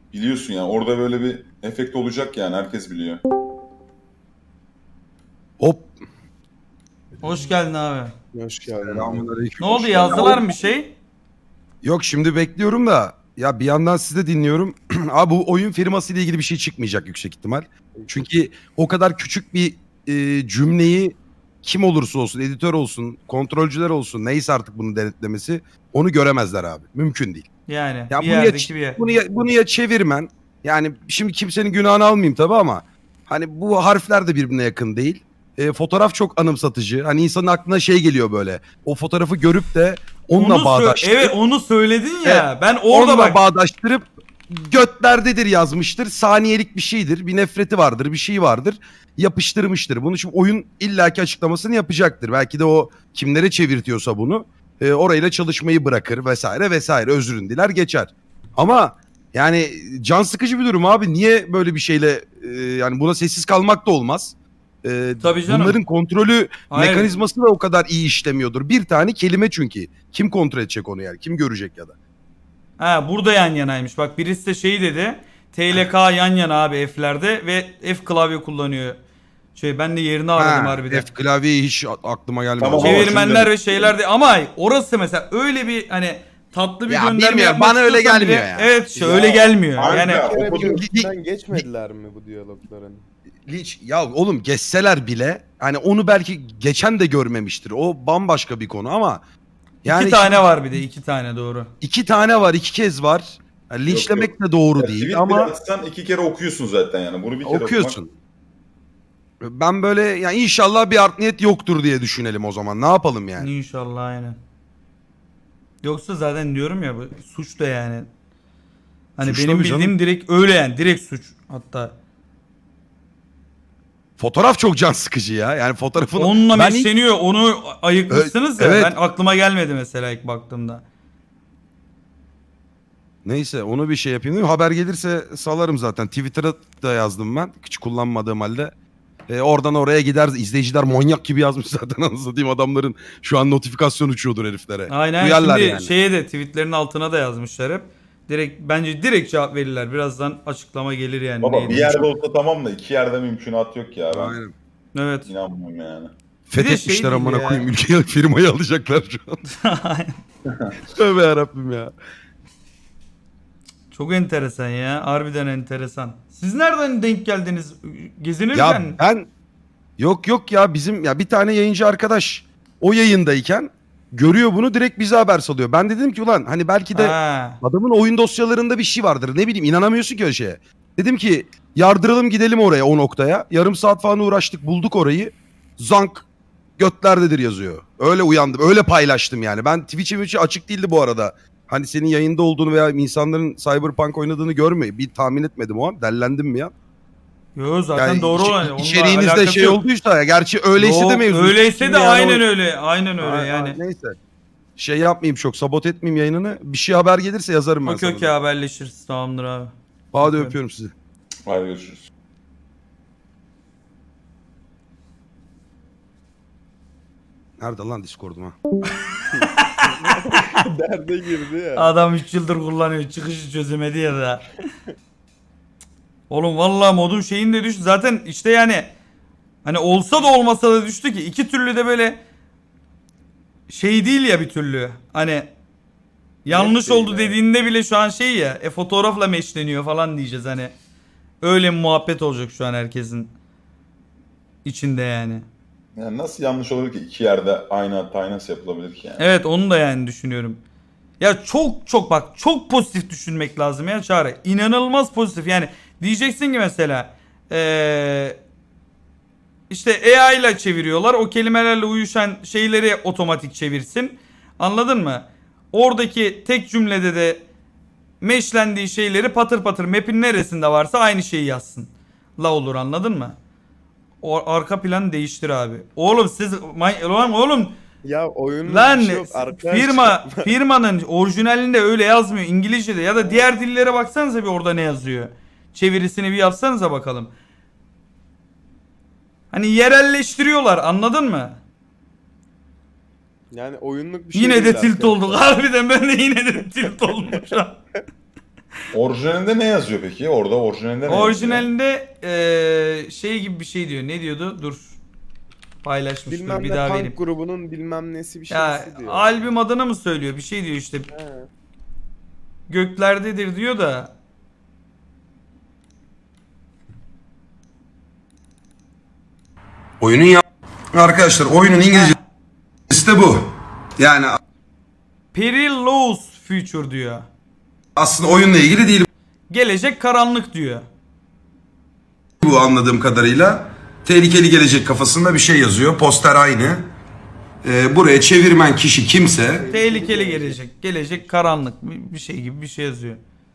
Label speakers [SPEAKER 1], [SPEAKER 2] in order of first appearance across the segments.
[SPEAKER 1] Biliyorsun yani orada böyle bir efekt olacak yani herkes biliyor.
[SPEAKER 2] Hop.
[SPEAKER 3] Hoş geldin abi.
[SPEAKER 4] Hoş geldin abi.
[SPEAKER 2] Selamünaleyküm.
[SPEAKER 3] Ne oldu,
[SPEAKER 1] Hoş
[SPEAKER 3] yazdılar
[SPEAKER 1] geldin.
[SPEAKER 3] mı bir şey?
[SPEAKER 2] Yok şimdi bekliyorum da ya bir yandan sizi de dinliyorum. Abi bu oyun firması ile ilgili bir şey çıkmayacak yüksek ihtimal. Çünkü o kadar küçük bir cümleyi kim olursa olsun, editör olsun, kontrolcüler olsun, neyse artık bunun denetlemesi onu göremezler abi. Mümkün değil.
[SPEAKER 3] Yani
[SPEAKER 2] Ya
[SPEAKER 3] bir
[SPEAKER 2] bunu ya,
[SPEAKER 3] yerdeki bir yer.
[SPEAKER 2] bunu ya çevirmen. Yani şimdi kimsenin günahını almayayım tabii ama hani bu harfler de birbirine yakın değil. Fotoğraf çok anımsatıcı. Hani insanın aklına şey geliyor böyle. O fotoğrafı görüp de onunla
[SPEAKER 3] Onu
[SPEAKER 2] bağdaştırıp
[SPEAKER 3] evet, onu söyledin ya. Ben orada
[SPEAKER 2] onunla
[SPEAKER 3] bak.
[SPEAKER 2] bağdaştırıp götlerdedir yazmıştır. Saniyelik bir şeydir. Bir nefreti vardır. Bir şey vardır. Yapıştırmıştır. Bunu şimdi oyun illaki açıklamasını yapacaktır. Belki de o kimlere çevirtiyorsa bunu orayla çalışmayı bırakır vesaire vesaire. Özrün diler geçer. Ama yani can sıkıcı bir durum abi. Niye böyle bir şeyle yani buna sessiz kalmak da olmaz.
[SPEAKER 3] Tabii canım.
[SPEAKER 2] Bunların kontrolü
[SPEAKER 3] Hayır.
[SPEAKER 2] mekanizması da o kadar iyi işlemiyordur. Bir tane kelime çünkü. Kim kontrol edecek onu yani? Kim görecek ya da?
[SPEAKER 3] Ha, burada yan yanaymış. Bak birisi de şey dedi. TLK yan yana abi F'lerde ve F klavye kullanıyor. Ben de yerini aradım harbiden.
[SPEAKER 2] F klavyeyi hiç aklıma gelmedi.
[SPEAKER 1] Tamam,
[SPEAKER 3] Çevirmenler
[SPEAKER 1] şimdi-
[SPEAKER 3] ve şeylerde ama orası mesela öyle bir hani tatlı bir
[SPEAKER 2] Ya
[SPEAKER 3] gönderme
[SPEAKER 2] bilmiyorum,
[SPEAKER 3] yapmak
[SPEAKER 2] bana öyle
[SPEAKER 3] istiyorsan
[SPEAKER 2] gelmiyor
[SPEAKER 3] bile-
[SPEAKER 2] ya.
[SPEAKER 3] Evet işte
[SPEAKER 1] Ya,
[SPEAKER 3] öyle gelmiyor.
[SPEAKER 1] aynen.
[SPEAKER 3] Yani
[SPEAKER 1] Ya,
[SPEAKER 4] Bir kere
[SPEAKER 1] o-
[SPEAKER 4] bile üstünden geçmediler mi bu diyalogların?
[SPEAKER 2] Hiç, ya oğlum geçseler bile hani onu belki geçen de görmemiştir. O bambaşka bir konu ama yani
[SPEAKER 3] iki tane var bir de, iki tane doğru.
[SPEAKER 2] iki tane var, iki kez var. Yani linçlemek de doğru
[SPEAKER 1] Ya,
[SPEAKER 2] değil
[SPEAKER 1] tweet
[SPEAKER 2] ama
[SPEAKER 1] bile atsan 2 kere okuyorsun zaten yani. Bunu bir kere
[SPEAKER 2] okuyorsun. Ben böyle yani inşallah bir art niyet yoktur diye düşünelim o zaman. Ne yapalım yani?
[SPEAKER 3] İnşallah aynen. Yoksa zaten diyorum ya bu suç da yani. Hani
[SPEAKER 2] Suç
[SPEAKER 3] benim
[SPEAKER 2] tabii canım.
[SPEAKER 3] bildiğim direkt öyle yani, direkt suç hatta.
[SPEAKER 2] Fotoğraf çok can sıkıcı ya. Yani fotoğrafın
[SPEAKER 3] Onunla
[SPEAKER 2] ben ilk-
[SPEAKER 3] meşleniyor, onu ayıkmışsınız ya.
[SPEAKER 2] Evet.
[SPEAKER 3] Ben aklıma gelmedi mesela ilk baktığımda.
[SPEAKER 2] Neyse onu bir şey yapayım değil mi? Haber gelirse salarım zaten. Twitter'a da yazdım ben. Hiç kullanmadığım halde. Oradan oraya gider. İzleyiciler manyak gibi yazmış zaten. Anasını satayım, adamların şu an notifikasyon uçuyordur heriflere.
[SPEAKER 3] Aynen,
[SPEAKER 2] Duyarlar
[SPEAKER 3] şimdi
[SPEAKER 2] yani.
[SPEAKER 3] şeye de tweetlerin altına da yazmışlar hep. Bence direkt cevap verirler. Birazdan açıklama gelir yani.
[SPEAKER 1] Baba
[SPEAKER 3] neydi?
[SPEAKER 1] bir yerde olsa tamam da 2 yerde mümkünat yok ya. Ben
[SPEAKER 2] Aynen.
[SPEAKER 3] Evet.
[SPEAKER 1] inanmıyorum yani.
[SPEAKER 2] Fethetmişler
[SPEAKER 3] şey
[SPEAKER 2] amına
[SPEAKER 3] değil ya.
[SPEAKER 2] koyayım. Ülkeyi, firmayı alacaklar şu an. Tövbe yarabbim ya.
[SPEAKER 3] Çok enteresan ya. Harbiden enteresan. Siz nereden denk geldiniz? Gezinirken
[SPEAKER 2] Ya ben yok ya bizim ya bir tane yayıncı arkadaş o yayındayken görüyor bunu, direkt bize haber salıyor. Ben de dedim ki ulan hani belki de
[SPEAKER 3] Ha.
[SPEAKER 2] adamın oyun dosyalarında bir şey vardır. Ne bileyim, inanamıyorsun ki öyle şeye. Dedim ki yardıralım gidelim oraya, o noktaya. Yarım saat falan uğraştık, bulduk orayı. Zank götlerdedir yazıyor. Öyle uyandım. Öyle paylaştım yani. Ben Twitch'im açık değildi bu arada. Hani senin yayında olduğunu veya insanların Cyberpunk oynadığını bir tahmin etmedim o an. Dellendim mi ya?
[SPEAKER 3] Yo zaten
[SPEAKER 2] Yani
[SPEAKER 3] doğru olan. Onunla
[SPEAKER 2] içeriğinizde
[SPEAKER 3] alakası
[SPEAKER 2] şey
[SPEAKER 3] yok.
[SPEAKER 2] olduysa ya. Gerçi öyleyse
[SPEAKER 3] Yok,
[SPEAKER 2] de mevzu.
[SPEAKER 3] öyleyse
[SPEAKER 2] Şimdi
[SPEAKER 3] de
[SPEAKER 2] yani
[SPEAKER 3] aynen
[SPEAKER 2] o-
[SPEAKER 3] öyle. Aynen öyle yani.
[SPEAKER 2] Neyse. Şey yapmayayım, çok sabot etmeyeyim yayınını. Bir şey haber gelirse yazarım ben
[SPEAKER 3] Okey
[SPEAKER 2] sana.
[SPEAKER 3] okey, haberleşiriz. Tamamdır abi.
[SPEAKER 2] Hadi
[SPEAKER 3] Okey.
[SPEAKER 2] öpüyorum sizi.
[SPEAKER 1] Hadi görüşürüz.
[SPEAKER 2] Nerede lan Discord'um ha?
[SPEAKER 4] Derde girdi ya.
[SPEAKER 3] Adam 3 yıldır kullanıyor. Çıkışı çözemedi ya da. Oğlum vallahi modum şeyinde düştü. Zaten işte yani hani olsa da olmasa da düştü ki. İki türlü de böyle şey değil ya bir türlü. Hani yanlış
[SPEAKER 4] değil,
[SPEAKER 3] oldu
[SPEAKER 4] evet.
[SPEAKER 3] dediğinde bile şu an şey ya. Fotoğrafla meşleniyor falan diyeceğiz hani. Öyle bir muhabbet olacak şu an herkesin içinde yani.
[SPEAKER 1] Yani nasıl yanlış olur ki? 2 yerde aynı hatayı nasıl yapılabilir ki yani?
[SPEAKER 3] Evet, onu da yani düşünüyorum. Ya çok bak, çok pozitif düşünmek lazım ya Çağrı. İnanılmaz pozitif. Yani diyeceksin ki mesela işte AI ile çeviriyorlar. O kelimelerle uyuşan şeyleri otomatik çevirsin. Anladın mı? Oradaki tek cümlede de meşlendiği şeyleri patır patır map'in neresinde varsa aynı şeyi yazsın. La olur, anladın mı? O arka planı değiştir abi. Oğlum siz lan oğlum
[SPEAKER 4] Ya oyunun
[SPEAKER 3] lan
[SPEAKER 4] bir şey yok arkadaş.
[SPEAKER 3] firmanın orijinalinde öyle yazmıyor İngilizce'de, ya da diğer dillere baksanıza bir orada ne yazıyor. Çevirisini bir yapsanıza bakalım. Hani yerelleştiriyorlar, anladın mı?
[SPEAKER 4] Yani oyunluk bir şey
[SPEAKER 3] Yine de
[SPEAKER 4] değil
[SPEAKER 3] tilt
[SPEAKER 4] arkadaşlar.
[SPEAKER 3] olduk harbiden, ben de yine de tilt oldum şu an.
[SPEAKER 1] Orijinalinde ne yazıyor peki? Orada orijinalinde ne yazıyor?
[SPEAKER 3] Orijinalinde şey gibi bir şey diyor. Ne diyordu? Dur. Paylaşmıştır
[SPEAKER 4] Bilmem
[SPEAKER 3] bir
[SPEAKER 4] ne
[SPEAKER 3] daha
[SPEAKER 4] punk
[SPEAKER 3] vereyim.
[SPEAKER 4] grubunun bilmem nesi bir
[SPEAKER 3] Ya
[SPEAKER 4] şeysi diyor.
[SPEAKER 3] albüm adını mı söylüyor? Bir şey diyor işte.
[SPEAKER 4] He.
[SPEAKER 3] Göklerdedir diyor da.
[SPEAKER 2] Oyunun Arkadaşlar oyunun İngilizcesi de bu. Yani
[SPEAKER 3] Perilous Future diyor.
[SPEAKER 2] aslında oyunla ilgili değil
[SPEAKER 3] Gelecek karanlık diyor.
[SPEAKER 2] bu anladığım kadarıyla. Tehlikeli gelecek kafasında bir şey yazıyor. Poster aynı. Buraya çevirmen kişi kimse
[SPEAKER 3] Tehlikeli gelecek. Gelecek karanlık. Bir şey gibi bir şey yazıyor.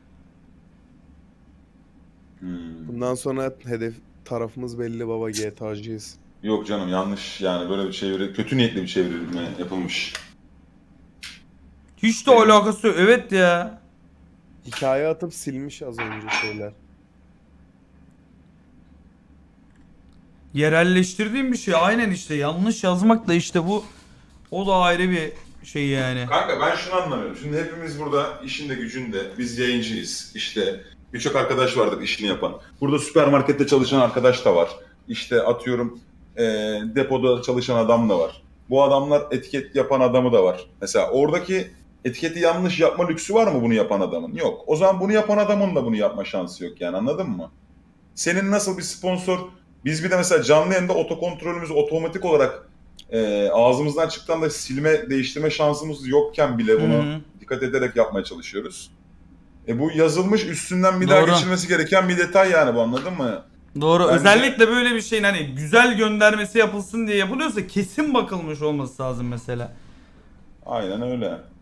[SPEAKER 4] Bundan sonra hedef tarafımız belli baba, GTA'cıyız.
[SPEAKER 1] Yok canım, yanlış yani, böyle bir çeviri, kötü niyetli bir çevirme yapılmış.
[SPEAKER 3] Hiç de alakası yok. Evet ya.
[SPEAKER 4] Hikaye atıp silmiş az önce şeyler.
[SPEAKER 3] Yerelleştirdiğim bir şey. Aynen işte. Yanlış yazmak da işte bu. O da ayrı bir şey yani.
[SPEAKER 1] Kanka ben şunu anlamıyorum. Şimdi hepimiz burada işinde gücünde, biz yayıncıyız. İşte birçok arkadaş vardır işini yapan. Burada süpermarkette çalışan arkadaş da var. İşte atıyorum depoda çalışan adam da var. Bu adamlar etiket yapan adamı da var. Mesela oradaki etiketi yanlış yapma lüksü var mı bunu yapan adamın? Yok. O zaman bunu yapan adamın da bunu yapma şansı yok yani, anladın mı? Senin nasıl bir sponsor... Biz bir de mesela canlı yayında otokontrolümüzü otomatik olarak ağzımızdan çıktan da silme, değiştirme şansımız yokken bile bunu
[SPEAKER 3] Hı hı.
[SPEAKER 1] dikkat ederek yapmaya çalışıyoruz. Bu yazılmış, üstünden bir daha
[SPEAKER 3] Doğru.
[SPEAKER 1] geçilmesi gereken bir detay yani bu, anladın mı?
[SPEAKER 3] Doğru.
[SPEAKER 1] Bence-
[SPEAKER 3] Özellikle böyle bir şeyin hani güzel göndermesi yapılsın diye yapılıyorsa kesin bakılmış olması lazım mesela.
[SPEAKER 1] Aynen öyle.